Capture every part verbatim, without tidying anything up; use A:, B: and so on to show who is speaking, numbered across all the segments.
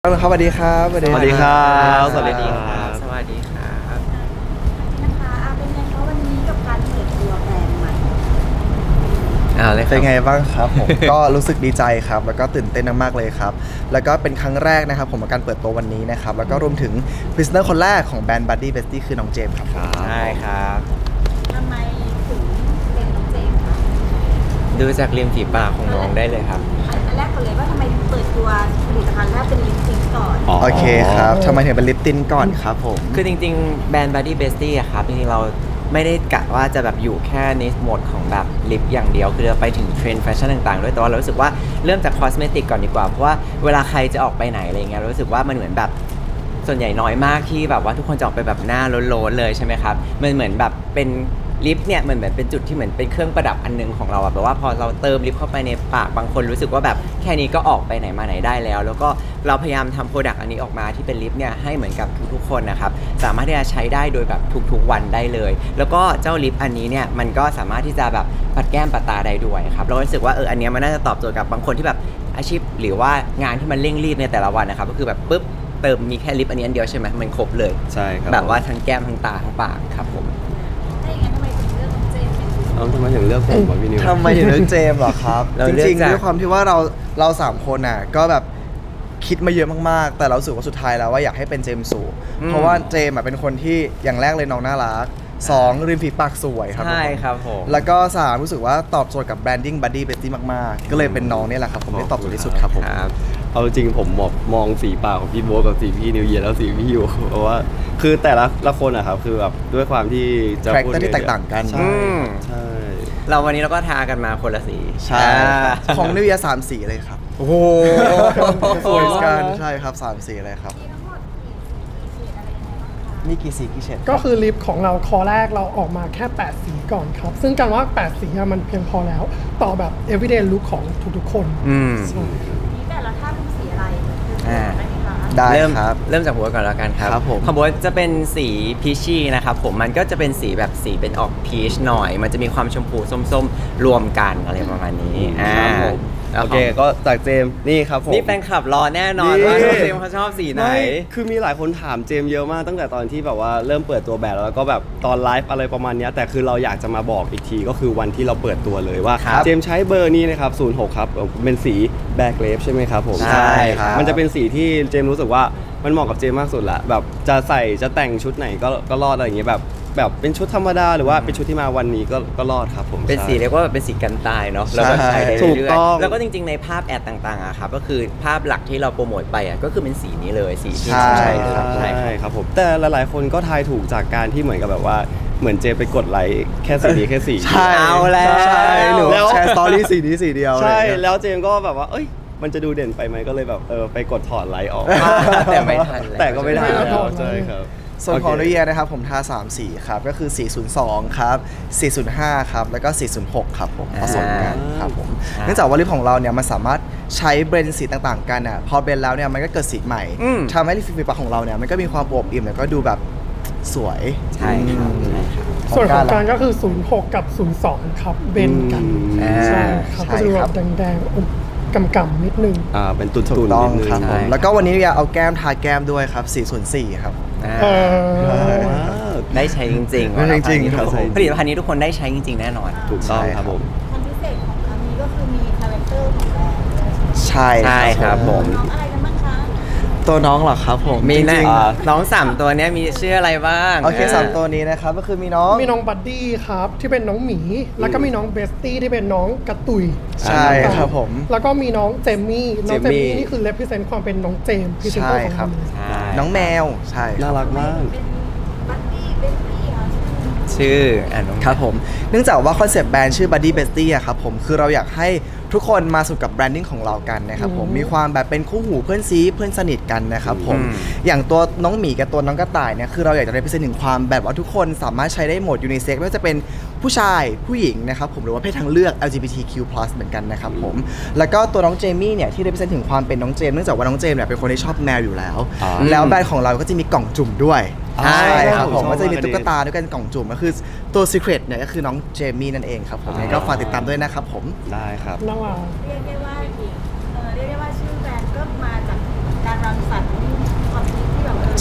A: ครับสวัสดีครับสวัสดี
B: สวัสดีครับ
C: สวัสดีครับสวัสดีครับ
D: นะคะอ่ะเป็นไงคะวันนี้กับการเปิดตัวแบรนด์ใหม่
C: อ่าเลยค
A: เป็
C: รับ
A: นไงบ้างครับผม ก็รู้สึกดีใจครับ แล้วก็ตื่นเต้นมากๆเลยครับ แล้วก็เป็นครั้งแรกนะครับผมกับการเปิดตัววันนี้นะครับ แล้วก็รวมถึงพรีเซนเตอร์คนแรกของแบรนด์ Buddy Bestie คือน้องเจมส์ครับ
C: ใช่ครับ
D: ทำไมถึงเป็นน้องเจมส์คะ
C: ดูจากริมฝีปากของน้องได้เลยครับ
D: อันอันแรกก่อนเลยว่าทำไมถึงเปิดตัวผลิตภัณฑ์แรกเป็นลิปซิงก่อน
A: โอเคครับทำไมถึงเป็นลิปตินก่อนครับผม
C: คือจริงๆ แบรนด์ Buddy Bestie อะครับจริงๆ เราไม่ได้กะว่าจะแบบอยู่แค่ในโหมดของแบบลิปอย่างเดียว คือเราไปถึงเทรนด์แฟชั่นต่างๆ ด้วย แต่ว่าเรารู้สึกว่าเริ่มจากคอสเมติกก่อนดีกว่า เพราะว่าเวลาใครจะออกไปไหนอะไรเงี้ยเรารู้สึกว่ามันเหมือนแบบส่วนใหญ่น้อยมากที่แบบว่าทุกคนจะออกไปแบบหน้าโล้นๆเลยใช่ไหมครับมันเหมือนแบบเป็นลิปเนี่ยเหมือนแบบเป็นจุดที่เหมือนเป็นเครื่องประดับอันนึงของเราอะแบบว่าพอเราเติมลิปเข้าไปในปากบางคนรู้สึกว่าแบบแค่นี้ก็ออกไปไหนมาไหนได้แล้ว แล้วก็เราพยายามทำโปรดักต์อันนี้ออกมาที่เป็นลิปเนี่ยให้เหมือนกับทุกๆคนนะครับสามารถที่จะใช้ได้โดยแบบทุกๆวันได้เลย แล้วก็เจ้าลิปอันนี้เนี่ยมันก็สามารถที่จะแบบปัดแก้มปัดตาได้ด้วยครับเรารู้สึกว่าเอออันเนี้ยมันน่าจะตอบโจทย์กับบางคนที่แบบอาชีพหรือว่างานที่มันเร่งรีบในแต่ละวันนะครับก็คือแบบปุ๊บเติมมีแค่ลิปอันนี้อันเดียวใช่ไหมมันครบเลย
B: ใช่ครับ
C: แบบว่าทั้งแก้มทั้งตาทั้งปากครับผม
D: ถ้าอย่างนั้นทำไมถึงเลือกน้องเจมส์เป็น
B: เอาทำไมถึงเลือกผมวะพี่นิว
A: ทำไมถึงเลือกเจมส์เหรอครับ
C: เรา
A: จ
C: เลือก
A: ริงๆ
C: จาก
A: ด้วยความที่ว่าเราเราสามคนน่ะก็แบบคิดมาเยอะมากๆ แต่เรารู้สึกว่าสุดท้ายแล้วว่าอยากให้เป็นเจมส์สูเพราะว่าเจมส์อ่ะเป็นคนที่อย่างแรกเลยน้องน่ารักสองริมฝีปากสวยครับ
C: ใช่ครับผม
A: แล้วก็สามรู้สึกว่าตอบโจทย์กับแบรนดิ้ง Buddy Bestie มากๆ ก็เลยเป็นน้องเนี่ยแหละครับผมได้ตอบโจทย์ที่สุดครับผม
C: ครับ
B: เอาจริงผมมองมองสีปากของพี่โบ๊ทกับสีพี่นิวเยียร์แล้วสีพี่อยู่ เพราะว่าคือแต่ละละคนอะครับคือแบบด้วยความที่จะพูด
A: Character ที่แตกต่างกัน
B: ใช่
C: อืม
B: ใช่
C: เราวันนี้เราก็ทากันมาคนละสี
A: ใช่ครับของนิวยาสามสีเลยครับ
C: โอ้โห
A: สวยกันใช่ครับสามสีเลยครับ
D: มีทั้งหมดกี่สีกี่เฉดอะไรยังไงบ้างคะ
A: มีกี่สีกี่เฉด
E: ก็คือลิปของเราคอแรกเราออกมาแค่ แปด สีก่อนครับ ซึ่งการว่า แปด สีอะมันเพียงพอแล้ว ต่อแบบ everyday look ของทุกๆคน
C: อืม
D: นี่แต่ละท่าเป็นสีอะไรคือ
C: อ่า
D: ได้ไหมคะ
A: ได้
C: เริ่ม
A: ครับ
C: เริ่มจากหัวก่อนแล้วกันครับ
A: ครับผม
C: ของบัวจะเป็นสีพีชี่นะครับผมมันก็จะเป็นสีแบบสีเป็นออกพีชหน่อย มันจะมีความชมพูส้มๆ รวมกันอะไรประมาณนี้อ่า
B: ครับผม
C: แล้ว
B: โอเคก็จากเจมส์นี่ครับผม
C: นี่แฟนคลับรอแน่นอน
B: นี่
C: ว่าน้องเจมส์เขาชอบสีไหน
B: ม่คือมีหลายคนถามเจมส์เยอะมากตั้งแต่ตอนที่แบบว่าเริ่มเปิดตัวแบบแล้วก็แบบตอนไลฟ์อะไรประมาณเนี้ยแต่คือเราอยากจะมาบอกอีกทีก็คือวันที่เราเปิดตัวเลยว่า
C: ครับ
B: เจมส์ใช้เบอร์นี้นะครับศูนย์หกครับเป็นสีแบล็กเลฟใช่ไหมครับผม
C: ใช่ครับ
B: มันจะเป็นสีที่เจมส์รู้สึกว่ามันเหมาะกับเจมส์มากสุดละแบบจะใส่จะแต่งชุดไหนก็ก็รอดอะไรอย่างเงี้ยแบบแบบเป็นชุดธรรมดาหรือว่าเป็นชุดที่มาวันนี้ก็ก็รอดครับผม
C: เป็นสี
B: ใช่
C: เรียกว่าเป็นสีกันตายเนาะแล้วก็ใช้ได้
B: ถูก
C: เรื่อย
B: ต้อง
C: ๆแล้วก็จริงๆในภาพแอดต่างๆอะครับก็คือภาพหลักที่เราโปรโมทไปอะก็คือเป็นสีนี้เลยสีที่
A: ใช่
C: ใช่ครับ
B: ใช่
C: ใช่ครับ
B: ครับผมแต่หลายๆคนก็ทายถูกจากการที่เหมือนกับแบบว่าเหมือนเจไปกดไลค์แค่สีนี้แค่สี
A: ใช่
C: เอาแล้ว
A: ใช่หนู
B: แล้ว
A: แชร์สตอรี่สีนี้สีเดียว
B: ใช่
A: อะไรอย่างเงี้ย
B: แล้วเจมก็แบบว่าเอ้ยมันจะดูเด่นไปไหมก็เลยแบบเออไปกดถอดไลค์ออก
C: แต่ไม่ทันแล้ว
B: แต่ก็ไม่ทัน
E: ไม่ทัน
B: แล้วใช่ครับ
A: ส่วนของ
B: โเค
A: นุเยียนะครับผมทาสามสีครับ ก็คือ สี่ศูนย์สอง ครับ สี่ศูนย์ห้า ครับ แล้วก็ สี่ศูนย์หก ครับผมผสมกันครับผม
C: อ่า
A: เนื่องจากว่าลิปของเราเนี่ยมันสามารถใช้เบรนด์สีต่างๆกันอ่ะพอเบรนด์แล้วเนี่ยมันก็เกิดสีใหม่
C: อืม
A: ทำให้ลิปฝีปากของเราเนี่ยมันก็มีความอวบอิ่มแล้วก็ดูแบบสวย
C: ใช่ครับใช่ครับ
E: ส่วนของการ
A: ล่ะ
E: ก็คือ ศูนย์หก กับ ศูนย์สอง ครับ เบนกัน
C: อ่า
E: ใช่ครับ
A: ใช่
E: ก็จะดู
A: ค
E: แบ
A: รับ
E: บแดงๆอมกำๆนิดนึง
B: อ่าเป็นตุ่น
A: ถู
B: ตุ่
A: ก
B: น
A: ต้อง
B: นิดนึง
A: ครับผม
C: ใช่
A: แล้วก็วันนี้เนี่ยเอาแก้มทาแก้มด้วยครับ สี่ศูนย์สี่ ครับ
C: อ่า
E: เออ
B: ว้าว
C: ได้ใช้จริงๆ
A: ได้ใช้จริงๆ
C: ผลิตภัณฑ์นี้
A: ครับ
C: ทุกนผลิตภัณฑ์นี้ทุกคนได้ใช้จริงๆ แน่นอน
B: ถูกต้อง
A: ใช่
B: ครับผม
D: ความพิเศษของครั้งนี้ก็คือมีคาแรคเตอร์ของแบรนด์ด้วย
A: ใช่
C: ใช่ครับผม
D: น้องอะไรกันบ้างคะ
A: ตัวน้องเหรอครับผม
C: มี
A: จ
C: นะ
A: ริง
C: น้องสามตัวเนี้ยมีชื่ออะไรบ้าง
A: ๆโอเคสามตัวนี้นะครับก็คือมีน้อง
E: มีน้องบัดดี้ครับ ที่เป็นน้องหมี แล้วก็มีน้องเบสตี้ที่เป็นน้องกระตุย
A: ใช่ครับผม
E: แล้วก็มีน้องเจมมี่ น้องเจม
B: เจมมี่
E: มี่นี่คือ represent ความเป็นน้องเจมพรีเซนเตอร์ของ
A: ใช่ครั
E: เรา
A: บ
E: เลย
C: ใช่
A: น้องแมวใช่
B: น่ารักมาก
D: เป็นบัดดี้เบสตี้เหรอ
C: ชื่ออ่านน้อง
A: ครับผม เนื่องจากว่าคอนเซปต์แบรนด์ชื่อ Buddy Bestie อะครับผม คือเราอยากให้ทุกคนมาสู่กับแบรนดิ้งของเรากันนะครับผม มีความแบบเป็นคู่หูเพื่อนซีเพื่อนสนิทกันนะครับผม อย่างตัวน้องหมีกับตัวน้องกระต่ายเนี่ย คือเราอยากจะได้พิเศษถึงความแบบว่าทุกคนสามารถใช้ได้หมดยูนิเซ็กไม่ว่าจะเป็นผู้ชายผู้หญิงนะครับผมหรือว่าเพศทางเลือก แอล จี บี ที คิว พลัส เหมือนกันนะครับผม แล้วก็ตัวน้องเจมี่เนี่ยที่ได้พิเศษถึงความเป็นน้องเจมส์เนื่องจากว่าน้องเจมส์เนี่ยเป็นคนที่ชอบแมวอยู่แล้ว
B: อ่า
A: แล้วแบรนด์ของเราก็จะมีกล่องจุ่มด้วย
C: ใช่
A: ใช่ครับผม
B: ชอบ
A: ก็จะมี
B: มาก
A: ตุ๊กตาด้วยกันกล่องจุ่มก็คือตัว Secret เนี่ยก็คือน้องเจมี่นั่นเองครับผมยังไงก็ฝากติดตามด้วยนะครับผม
B: ได้ครับ
E: น่ารัก
D: เรียกได้ว่าเออเรียกได้ว่าชื่อแบรนด์ก็มาจากการรังสรรค์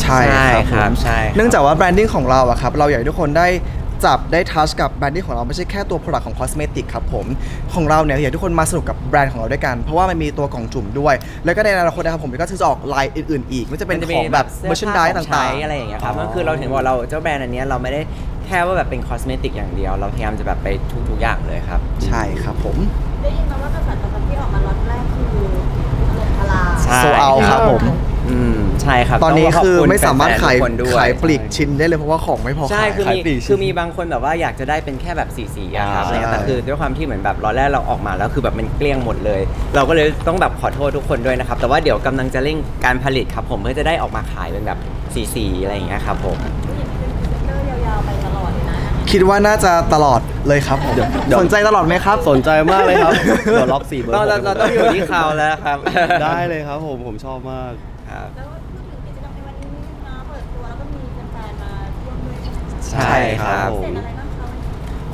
A: ช่
C: ใช่
A: ครับ
C: ครับ
A: ผม
C: ใช่ครับ
A: เนื่องจากว่าแบรนดิ้งของเราอะครับเราอยากให้ทุกคนได้จับได้ทัชกับแบรนดิ้งของเราไม่ใช่แค่ตัว Product ของ Cosmetic ครับผมของเราเนี่ยอยากให้ทุกคนมาสนุกกับแบรนด์ของเราด้วยกัน เพราะว่ามันมีตัวกล่องจุ่มด้วย แล้วก็ในอนาคตนะครับผมก็จะออกไลน์อื่นๆอีกไม่ว่าจะเป็นของแบบ
C: สื้
A: merchandise
C: ผ้ขอ
A: ต่าง
C: ใช้
A: ๆ
C: อะไรอย่างเงี้ยครับ
B: อ๋อ
C: ก็คือเราถึงบอกเราเจ้าแบรนด์อันเนี้ยเราไม่ได้แค่ว่าแบบเป็นคอสเมติกอย่างเดียว เราพยายามจะแบบไปทุกๆอย่างเลยครับ
A: ใช่ครับผม
D: ได้ยินมาว่ากระแสตอบรับที่ออกมาล็อตแรกคือถล่มทลาย
C: ใช่
A: โซเอาครับผม
C: อืมใช่ครับ
A: ตอนนี้
C: งขบ
A: คือ
C: ณ
A: ไม่สามารถขาย
C: แฟนๆทุกคนด้วย
A: ขายปลีกชิ้นได้เลยเพราะว่าของไม่พอ
C: ใช่
A: ขาย
C: คือ
B: ขาย
C: มี
B: ปลีก
C: คือมีบางคนแบบว่าอยากจะได้เป็นแค่แบบสีสีๆอะครับ
B: อ่า
C: อะไรเงี้ยแต่คือด้วยความที่เหมือนแบบรอแรกเราออกมาแล้วคือแบบมันเกลี้ยงหมดเลย เราก็เลยต้องแบบขอโทษทุกคนด้วยนะครับ แต่ว่าเดี๋ยวกำลังจะเร่งการผลิตครับผมเพื่อจะได้ออกมาขายเป็นแบบสีสีๆอะไรอย่างเงี้ยครับผม
D: ผู้หญิงเป็นพรีเซนเตอร์ยาวๆไปตลอดเลยนะ
A: คิดว่าน่าจะตลอดเลยครับผม
B: เดี๋ยวเดี๋ยว
A: สนใจตลอดไหมครับ
B: สนใจมากเลยครับ เดี๋ยวล็อกสี่เบอร์
C: เราเรา
B: ผม
C: เราต้องอยู่ที่เขาแล้วครับ
B: ได้เลยครับผมผมชอบมาก
C: ครับ
D: แล้วพูดถึงกิจกรรมในวันนี้นิดนึงนะเปิดตัวแล้วก็มีแฟนๆมาร่วมด้วยใช่ไหม
C: ใช่ครับ
D: พิเศษอะไรบ้างคะวันนี้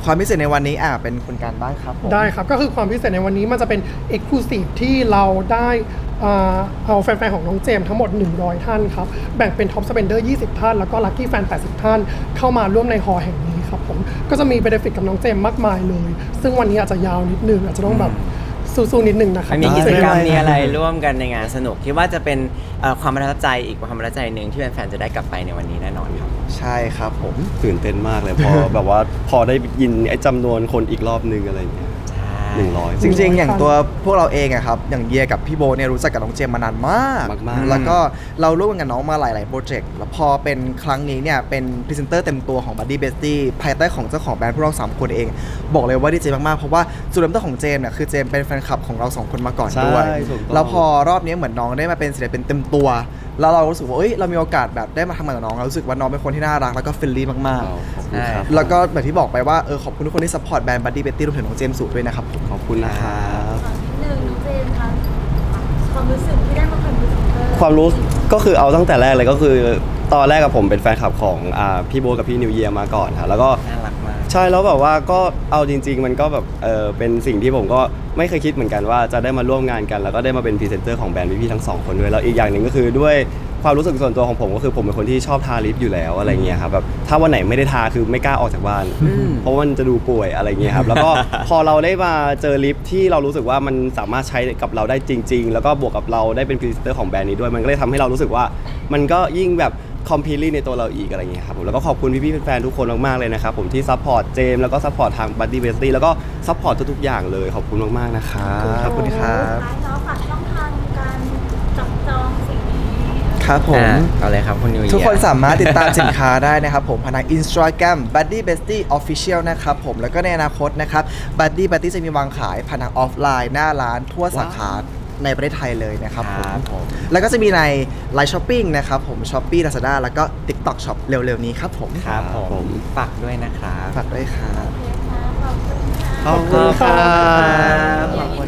A: ความพิเศษในวันนี้อ่ะเป็นคุณการบ้างครับผม
E: ได้ครับ ก็คือความพิเศษในวันนี้มันจะเป็น Exclusive ที่เราได้อ่าเอาแฟนๆ ของน้องเจมส์ทั้งหมด หนึ่งร้อย ท่านครับ แบ่งเป็น Top Spender ยี่สิบ ท่าน แล้วก็ Lucky Fan แปดสิบ ท่าน เข้ามาร่วมในฮอลล์แห่งนี้ครับผม ก็จะมี benefit กับน้องเจมส์มากมายเลย ซึ่งวันนี้อาจจะยาวนิดนึง อาจจะต้องแบบสู้ๆนิดนึงนะครับ
C: มันมีกิจกรรม
A: ได้
C: มีอะไรร่วมกันในงานสนุกคิดว่าจะเป็นเอ่อความประทับใจอีกความประทับใจหนึ่งที่แฟนๆจะได้กลับไปในวันนี้แน่นอนครับ
A: ใช่ครับผม
B: ตื่นเต้นมากเลยพอ แบบว่าพอได้ยินไอ้จำนวนคนอีกรอบนึงอะไรอย่างเงี้ยหนึ่งร้อย
A: จริงๆ อย่างตัวพวกเราเองอะครับอย่างเยียกับพี่โบเนี่ยรู้จักกับน้องเจมส์มานานมาก
B: มากๆ
A: แล้วก็เราร่วมกันกับน้องมาหลายๆโปรเจกต์แล้วพอเป็นครั้งนี้เนี่ยเป็นพรีเซนเตอร์เต็มตัวของ Buddy Bestie ภายใต้ของเจ้าของแบรนด์พวกเราสามคนเอง บอกเลยว่าดีใจมากๆ เพราะว่าจุดเริ่มต้นของเจมส์เนี่ยคือเจมส์เป็นแฟนคลับของเราสองคนมาก่อนด้วย
B: ใช่ถูกต้อง
A: แล้วพอรอบนี้เหมือนน้องได้มาเป็นศิลปินเต็มตัว แล้วเรารู้สึกว่าเอ้ยเรามีโอกาสแบบได้มาทำงานกับน้องเรารู้สึกว่าน้องเป็นคนที่น่ารักแล้วก็เฟรนลี่มาก
B: ขอบคุณครับ
A: ๆ แล้วก็แบบที่บอกไปว่าเออขอบคุณทุกคนที่ซัพพอร์ตแบรนด์ Buddy Bestie รวมถึงน้องเจมส์สุด้วยนะครับผม
B: ขอบคุณนะครับ
D: ขอนิดนึงน้องเจนคะความรู้สึกที่ได้มาเป็นพรีเซนเตอร์
B: ความรู้ก็คือเอาตั้งแต่แรกเลยก็คือตอนแรกกับผมเป็นแฟนคลับของอ่าพี่โบ๊ทกับพี่นิวเยียร์มาก่อนค่ะแล้วก็
C: น่ารักมาก
B: ใช่แล้วแบบว่าก็เอาจริง ๆ มันก็แบบเออเป็นสิ่งที่ผมก็ไม่เคยคิดเหมือนกันว่าจะได้มาร่วมงานกัน แล้วก็ได้มาเป็นพรีเซนเตอร์ของแบรนด์พี่ๆทั้งสองคนด้วยแล้วอีกอย่างหนึ่งก็คือด้วยความรู้สึกส่วนตัวของผมก็คือผมเป็นคนที่ชอบทาลิปอยู่แล้วอะไรเงี้ยครับแบบถ้าวันไหนไม่ได้ทาคือไม่กล้าออกจากบ้าน เพราะว่ามันจะดูป่วยอะไรเงี้ยครับแล้วก็ พอเราได้มาเจอลิปที่เรารู้สึกว่ามันสามารถใช้กับเราได้จริง ๆ แล้วก็บวกกับเราได้เป็นพรีเซนเตอร์ของแบรนด์นี้ด้วยมันก็เลยทำให้เรารู้สึกว่ามันก็ยิ่งแบบคอมพลีทในตัวเราอีกอะไรเงี้ยครับผมแล้วก็ขอบคุณพี่ๆแฟนๆทุกคนมากๆเลยนะครับผมที่ซัพพอร์ตเจมส์แล้วก็ซัพพอร์ตทาง Buddy Bestie แล้วก็ซัพพอร์ตทุกๆอย่างเลยขอบคุณมากๆนะครับ
A: ขอบคุณครับ
D: ท้ายแล้วฝากช่องทางการจับจองสิ่งนี้
A: ครับผม
C: อ่ะเอาเลยครับคุณนิวเยียร์
A: ทุกคนสามารถติดตามสินค้าได้นะครับผมผ่านทาง Instagram Buddy Bestie Official นะครับผมแล้วก็ในอนาคตนะครับ Buddy Bestie จะมีวางขายผ่านทางออฟไลน์หน้าร้านทั่วสาขาในประเทศไทยเลยนะครับผม
C: ครับผม
A: แล้วก็จะมีใน Line Shopping นะครับผม Shopee Lazada แล้วก็ TikTok Shop เร็วๆนี้ครับผม
C: ครับผ
B: ผม ม
C: ฝากด้วยนะครับ
A: ฝากด้วยครับ
D: โอเคค่ะขอบคุณค่ะ
B: ขอบคุณครับ
C: ขอบคุณ